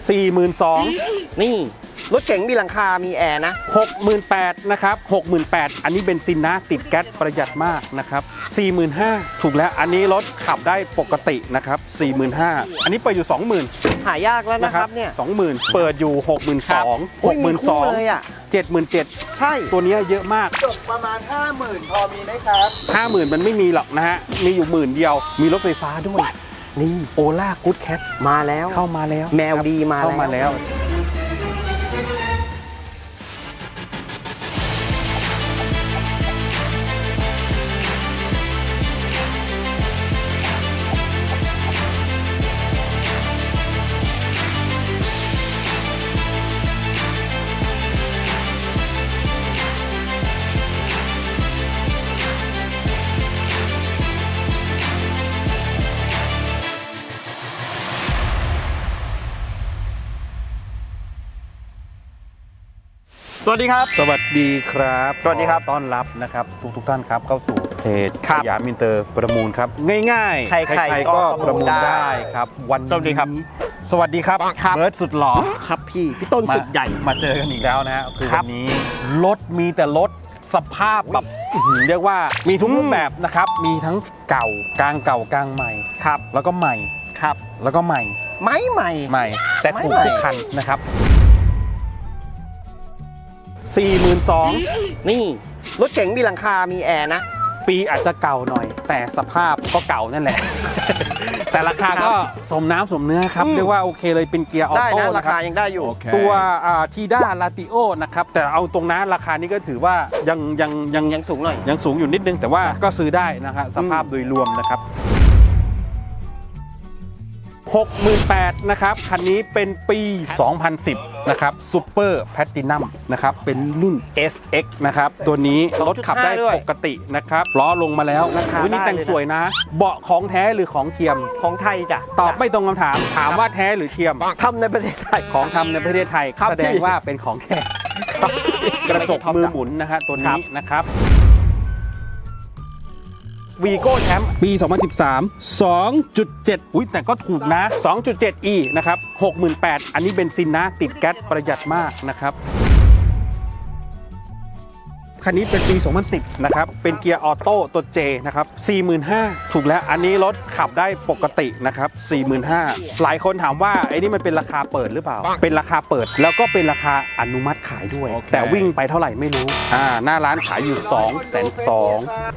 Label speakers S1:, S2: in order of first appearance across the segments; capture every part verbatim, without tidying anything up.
S1: สี่หมื่นสอง
S2: นี่รถเก๋งมีหลังคามีแอร์นะ
S1: หกหมื่นแปดพัน นะครับ หกหมื่นแปดพัน อันนี้เบนซินนะติดแก๊สประหยัดมากนะครับ สี่หมื่นห้าพัน ถูกแล้วอันนี้รถขับได้ปกตินะครับ สี่หมื่นห้าพัน อันนี้เปิดอยู่ สองหมื่น
S2: หายากแล้วนะครับเนี่ย
S1: สองหมื่น เปิดอยู่ หกหมื่นสองพัน หกหมื่นสองพัน
S2: เลยอ่ะ
S1: เจ็ดหมื่นเจ็ดพัน
S2: ใช่
S1: ตัวนี้เยอะมาก
S3: จบประมาณ ห้าหมื่น พอมีไหมครับ
S1: ห้าหมื่น มันไม่มีหรอกนะฮะมีอยู่หมื่นเดียวมีรถไฟฟ้าด้วยนี่โอล่ากู๊ดแคท
S2: มาแล้ว
S1: เข้ามาแล้ว
S2: แมวดีมา
S1: เข้ามาแล้ว
S2: สวัสดีครับ
S1: สวัสดีครับ
S2: สวัสดีครับ
S1: ต้อนรับนะครับทุกทุกท่านครับเข้าสู่เพจ
S2: ครั
S1: ส
S2: บ
S1: ยามอินเตอร์ประมูลครับง่ายๆ
S2: ใครๆ
S1: ก็
S2: ก็
S1: ประมูล
S2: ได้
S1: ได้ครับวัน
S2: สวัสดีครับ
S1: นี้สวัสดีครับ
S2: ครับ
S1: เบิร์ดสุดหล่อ
S2: ครับพี่พี่ต้น
S1: มา
S2: สุดใหญ่
S1: มาเจอกันอีกแล้วนะฮะคือ
S2: ครั
S1: วั
S2: บ
S1: นนี้รถมีแต่รถสภาพแบบอื้อหือเรียกว่ามีทุก
S2: อืม
S1: รูปแบบนะครับมีทั้งเก่ากลางเก่ากลางใหม่
S2: ครับ
S1: แล้วก็ใหม่
S2: ครับ
S1: แล้วก็ใหม่
S2: ไม้ใหม่
S1: ใหม่ แต่ถูก
S2: ไม่ใหม่
S1: ทุกคันนะครับ สี่หมื่นสองพัน
S2: นี่รถเก๋งมีหลังคามีแอร์นะ
S1: ปีอาจจะเก่าหน่อย แต่สภาพก็เก่านั่นแหละ แต่ราคาก็สมน้ำสมเนื้อครับ
S2: อืม
S1: เรียกว่าโอเคเลยเป็นเกียร์ออ
S2: ได้
S1: โต้
S2: นะรา
S1: นะค
S2: คา
S1: รับ
S2: ยังได้อยู่
S1: ตัวทีด้าลาติโอนะครับแต่เอาตรงนั้นราคานี้ก็ถือว่ายังยังยัง
S2: ยังสูงหน่อย
S1: ยังสูงอยู่นิดนึง แต่ว่าก็ซื้อได้นะครับสภาพโดยรวมนะครับ หกหมื่นแปดพัน นะครับคันนี้เป็นปี สองพันสิบ นะครับซูเปอร์แพลตินัมนะครับเป็นรุ่น เอส เอ็กซ์ นะครับตัวนี้รถขับได้
S2: ด้วย
S1: ปกตินะครับล้อลงมาแล้ว
S2: ราคา
S1: อุ๊ยนี่
S2: ได้
S1: แต่ง
S2: เลยนะ
S1: สวยนะ เบาะของแท้หรือของเทียม
S2: ของไทยจ้ะ
S1: ตอบไม่ตรงคำถาม ถามว่าแท้หรือเทียม
S2: ทำในประเทศไทย
S1: ของทำในประเทศไทย
S2: ครับ
S1: แสดง
S2: พี่
S1: ว่าเป็นของแท้
S2: ครับ
S1: กระจกมือหมุนนะฮะตัวนี้นะครับวีโก้แชมป์ปี สองพันสิบสาม สองจุดเจ็ด อุ้ยแต่ก็ถูกนะ สองจุดเจ็ด อี นะครับ หกหมื่นแปดพัน อันนี้เบนซินนะติดแก๊สประหยัดมากนะครับ คันนี้เป็นปี สองพันสิบ นะครับ เป็นเกียร์ออโต้ตัว J นะครับ สี่หมื่นห้าพัน ถูกแล้ว อันนี้รถขับได้ปกตินะครับ สี่หมื่นห้าพัน หลายคนถามว่าไอ้นี่มันเป็นราคาเปิดหรือเปล่า เป็นราคาเปิดแล้วก็เป็นราคาอนุมัติขายด้วย แต่วิ่งไปเท่าไหร่ไม่รู้ อ่า หน้าร้านขายอยู่ สองแสนสอง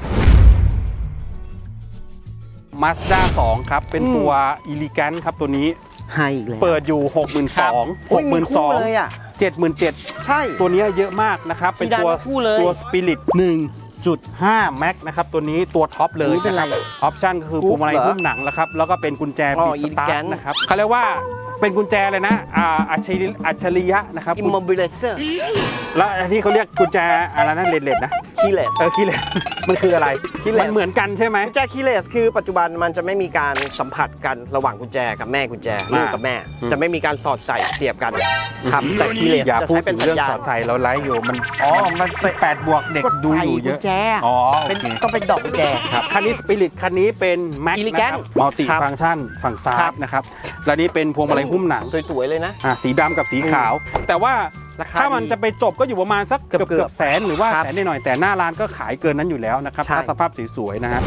S1: มาสด้าสองครับ เป็นตัว Elegant ครับตัวนี้
S2: ให้อีกแล้ว
S1: เปิดอยู่ หกหมื่นสองพัน
S2: โอ้ยมีคู่
S1: หกหมื่นสองพัน
S2: เลยอ่ะ
S1: เจ็ดหมื่นเจ็ดพัน
S2: ใช่
S1: ตัวนี้เยอะมากนะครับ เป็นตัว
S2: มีดาวคู่เลย
S1: ตัว Spirit หนึ่งจุดห้า แม็กนะครับ ตัวนี้ตัวท็อปเลย
S2: นี่เป็นไร
S1: ออปชั่นก็คือพวงมาลัย
S2: Groove เหรอ
S1: หุ้มหนังแล้วครับ แล้วก็เป็นกุญแจ
S2: อ๋
S1: บี
S2: อ
S1: สตาร์
S2: Elegant
S1: นะครับเขาเรียกว่าเป็นกุญแจเลยนะอ่าอัจฉริอัจฉริยะนะครับ
S2: อิมมอบิเลเซอร์
S1: แล้วที่เขาเรียกกุญแจอะไรนะเลดเลดนะ
S2: คีเลส
S1: เออคีเลส มันคืออะไร
S2: keyless
S1: มันเหมือนกันใช่ไหม
S2: กุญแจคีเลสคือปัจจุบันมันจะไม่มีการสัมผัสกันระหว่างกุญแจกับแม่กุญแจลูกกับแม่
S1: อืม
S2: จะไม่มีการสอดใส่เสียบกันครับแต่คีเลส
S1: อย่า
S2: จะ
S1: พูด
S2: ใช้เป็
S1: ถึ
S2: น
S1: ง
S2: สั
S1: เรื่อง
S2: ญญา
S1: ส
S2: ณ
S1: อนใจเราไลฟ์อยู่มัน
S2: อ๋อมัน
S1: แปดบวกเด็กดูอยู่เย
S2: กุ
S1: อะ
S2: ญแจ
S1: อ๋อโอ
S2: เป็น
S1: เค
S2: ต้องเป็นดอกกุญแจ
S1: ครับคันนี้สปิริตคันนี้เป็นแม็ก
S2: Elegant
S1: นะครับมัลติ
S2: ครับ
S1: ฟังก์ชันฝั่งซ้า
S2: ครั
S1: ย
S2: บ
S1: นะครับแล้วนี่เป็นพวงมาลัยหุ้มหนัง
S2: สวยๆเลยนะ
S1: อ่าสีดำกับสีขาว แต่ว่า
S2: ราคา
S1: ถ้ามัน
S2: ดี
S1: จะไปจบก็อยู่ประมาณสักเกือบ
S2: เกือบ
S1: เกือบแสนหรือว่า
S2: ครับ
S1: แสนหน่อยๆแต่หน้าร้านก็ขายเกินนั้นอยู่แล้วนะครับ
S2: ใช่
S1: ถ้าสภาพสวยๆนะฮะ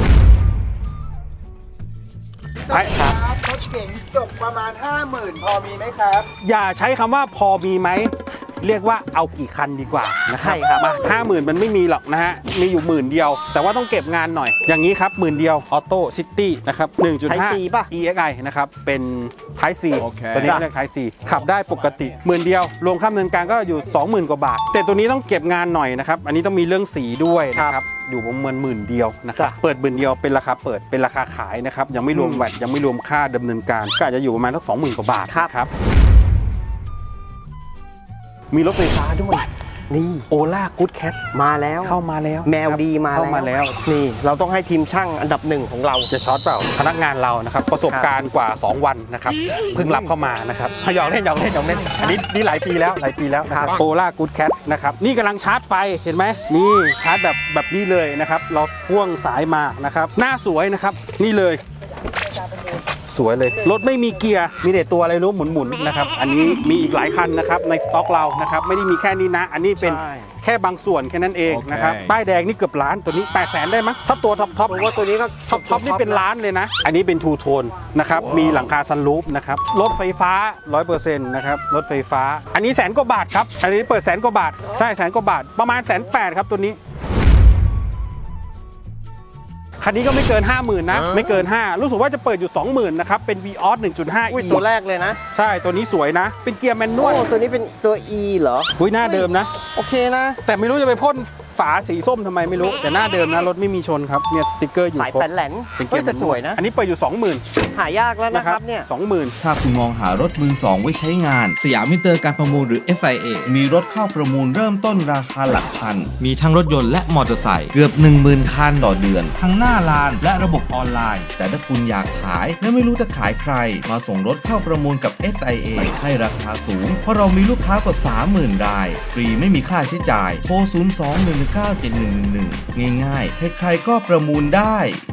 S3: ค
S1: ครั
S3: รับ รถเก๋งจบประมาณ ห้าหมื่น พอมีไหมครับ
S1: อย่าใช้คำว่าพอมีไหมเรียกว่าเอากี่คันดีกว่านะครั
S2: ใช่ครับ
S1: มาห้าหมื่นมันไม่มีหรอกนะฮะมีอยู่หมื่นเดียว แต่ว่าต้องเก็บงานหน่อย อย่างนี้ครับหมื่นเดียวออโต้ซิตี้นะครับ หนึ่งจุดห้า
S2: Type C ป่ะ
S1: อี เอ็กซ์ ไอ นะครับเป็น Type C
S3: โอเค
S1: ตัวนี้เรียก Type C ขับได้ปกติหมื่นเดียวรวมค่าดำเนินการก็อยู่ สองหมื่น กว่าบาท แต่ตัวนี้ต้องเก็บงานหน่อยนะครับอันนี้ต้องมีเรื่องสีด้วยนะครับอยู่ประมาณหมื่นเดียวนะครับ
S2: จ้ะ
S1: เปิดหมื่นเดียวเป็นราคาเปิดเป็นราคาขายนะครับยังไม่รวม
S2: อืม
S1: แวตยังไม่รวมค่าดำเนินการก็อาจจะอยู่ประมาณสักสองหมื่นกว่าบาท
S2: ครับ
S1: นะครับมีรถไฟฟ้าด้วย
S2: นี่
S1: โอล่ากู๊ดแคท
S2: มาแล้ว
S1: เข้ามาแล้ว
S2: แมวดีมา
S1: เข้ามาแล้ว
S2: นี่เราต้องให้ทีมช่างอันดับหนึ่งของเรา
S1: จะช็อตเปล่าพนักงานเรานะครับประสบการณ์กว่า สอง วันนะครับเพิ่งรับเข้ามานะครับหยอกเล่นหยอกเล่นหยอกเล่นอันนี้นี่หลายปีแล้วหลายปีแล้วนะครับโอล่ากู๊ดแคทนะครับนี่กำลังชาร์จไฟเห็นไหมนี่ชาร์จแบบแบบนี้เลยนะครับเราพ่วงสายมานะครับหน้าสวยนะครับนี่เลยสวยเลยรถไม่มีเกียร์มีแต่ตัวอะไรรู้หมุนๆนะครับอันนี้มีอีกหลายคันนะครับในสต็อกเรานะครับไม่ได้มีแค่นี้นะอันนี้เป็น
S2: ใช่
S1: แค่บางส่วนแค่นั้นเองนะครับป้ายแดงนี่เกือบล้านตัวนี้แปดแสนได้มั้ยถ้าตัวท็อปท็อป
S2: ผมว่าตัวนี้ก็
S1: ท็อปท็อปนี่เป็นล้านเลยนะ อันนี้เป็นทูโทนนะครับ มีหลังคาซันรูฟนะครับ รถไฟฟ้า ร้อยเปอร์เซ็นต์ นะครับ รถไฟฟ้า อันนี้แสนกว่าบาทครับ อันนี้เปิดแสนกว่าบาท ใช่แสนกว่าบาท ประมาณแสนแปดครับตัวนี้ คันนี้ก็ไม่เกิน ห้าหมื่น นะ ไม่เกิน ห้า รู้สึกว่าจะเปิดอยู่ สองหมื่น นะครับ เป็น Vios หนึ่งจุดห้า
S2: อุ้ย
S1: E
S2: ตัวแรกเลยนะ
S1: ใช่ ตัวนี้สวยนะ เป็นเกียร์แมนน
S2: โอ้
S1: วล
S2: ตัวนี้เป็นตัว E เหรอ
S1: อุ้ยหน้าเดิมนะ
S2: โอเคนะ
S1: แต่ไม่รู้จะไปพ่นฝาสีส้มทำไมไม่รู้ แต่หน้าเดิมนะ รถไม่มีชนครับ เนี่ยสติ๊กเกอร์อยู่
S2: สาย
S1: ครบ
S2: แผ่นแหลน
S1: เป็นเกี
S2: เฮ้
S1: ย
S2: ย
S1: ร์
S2: แต่สวยนะ
S1: อันนี้เปิดอยู่ สองหมื่น
S2: หายากแล้วนะครับเนี่ย
S1: สองหมื่น
S4: ถ้าคุณมองหารถมือสองไว้ใช้งาน สยามมิเตอร์การประมูลหรือ เอส ไอ เอ มีรถเข้าประมูลเริ่มต้นราคาหลักพัน มีทั้งรถยนต์และมอเตอร์ไซค์เกือบ หนึ่งหมื่น คันต่อเดือน ทั้งหน้าลานและระบบออนไลน์ แต่ถ้าคุณอยากขายและไม่รู้จะขายใคร มาส่งรถเข้าประมูลกับ เอส ไอ เอ ให้ราคาสูง เพราะเรามีลูกค้ากว่า สามหมื่น ราย ฟรีไม่มีค่าใช้จ่ายโทร ศูนย์ สอง หนึ่ง หนึ่ง เก้า เจ็ด หนึ่ง หนึ่ง หนึ่ง ง่ายๆ ใครๆก็ประมูลได้